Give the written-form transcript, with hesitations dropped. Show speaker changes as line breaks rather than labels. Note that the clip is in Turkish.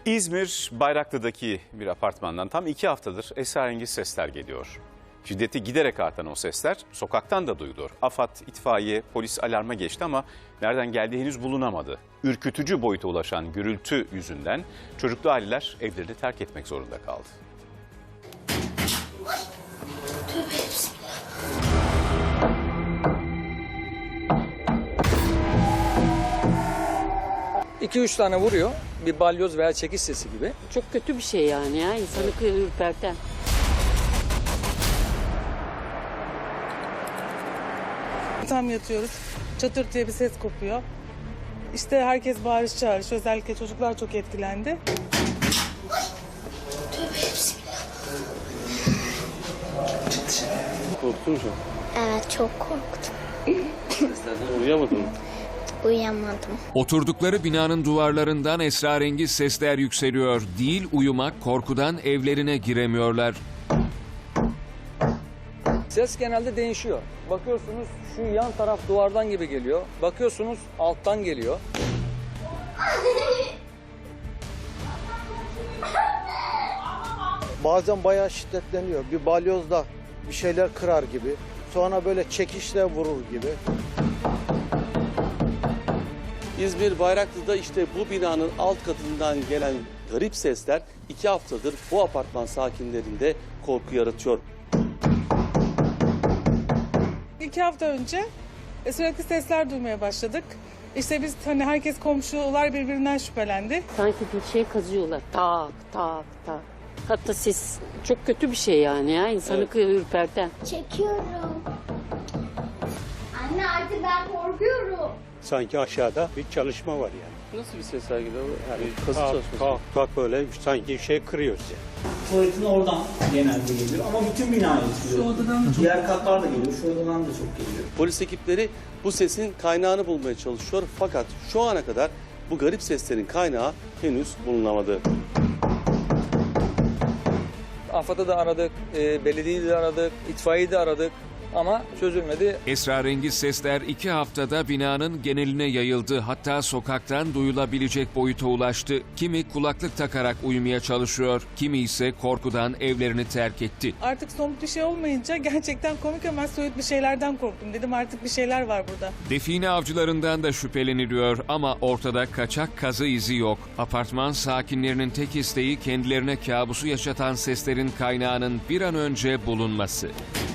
İzmir Bayraklı'daki bir apartmandan tam 2 haftadır esrarengiz sesler geliyor. Şiddeti giderek artan o sesler sokaktan da duyuluyor. AFAD, itfaiye, polis alarma geçti ama nereden geldiği henüz bulunamadı. Ürkütücü boyuta ulaşan gürültü yüzünden çocuklu aileler evlerini terk etmek zorunda kaldı.
Tövbe bismillah.
2-3 tane vuruyor. Bir balyoz veya çekiş sesi gibi.
Çok kötü bir şey yani ya. İnsanı ürperten.
Tam yatıyoruz. Çatır diye bir ses kopuyor. İşte herkes bağırış çağırış. Özellikle çocuklar çok etkilendi.
Tövbe bismillah.
Korktun mu?
Evet çok korktum.
Uyuyamadın mı?
Uyuyamadım.
Oturdukları binanın duvarlarından esrarengiz sesler yükseliyor. Değil uyumak, korkudan evlerine giremiyorlar.
Ses genelde değişiyor. Bakıyorsunuz şu yan taraf duvardan gibi geliyor. Bakıyorsunuz alttan geliyor.
Bazen bayağı şiddetleniyor. Bir balyozla bir şeyler kırar gibi. Sonra böyle çekişle vurur gibi.
İzmir Bayraklı'da işte bu binanın alt katından gelen garip sesler 2 haftadır bu apartman sakinlerinde korku yaratıyor.
2 hafta önce sürekli sesler duymaya başladık. İşte biz herkes komşular birbirinden şüphelendi.
Sanki bir şey kazıyorlar. Tak tak tak. Hatta ses çok kötü bir şey yani ya. İnsanı ürperten.
Çekiyorum. Anne artık ben korkuyorum.
Sanki aşağıda bir çalışma var yani.
Nasıl bir sesler geliyor? Yani kazı
Kalk,
çalışması.
kalk, kalk böyle sanki bir şey kırıyor size.
Tuvaletin oradan genelde geliyor ama bütün binaya etkiliyor. Şu odadan çok. Diğer katlar da geliyor, şu odadan da çok geliyor.
Polis ekipleri bu sesin kaynağını bulmaya çalışıyor fakat şu ana kadar bu garip seslerin kaynağı henüz bulunamadı.
AFAD'ı da aradık, belediyeyi de aradık, itfaiyeyi de aradık ama çözülmedi.
Esrarengiz sesler 2 haftada binanın geneline yayıldı. Hatta sokaktan duyulabilecek boyuta ulaştı. Kimi kulaklık takarak uyumaya çalışıyor, kimi ise korkudan evlerini terk etti.
Artık somut bir şey olmayınca gerçekten komik ama soyut bir şeylerden korktum. Dedim artık bir şeyler var burada.
Define avcılarından da şüpheleniliyor ama ortada kaçak kazı izi yok. Apartman sakinlerinin tek isteği kendilerine kabusu yaşatan seslerin kaynağının bir an önce bulunması.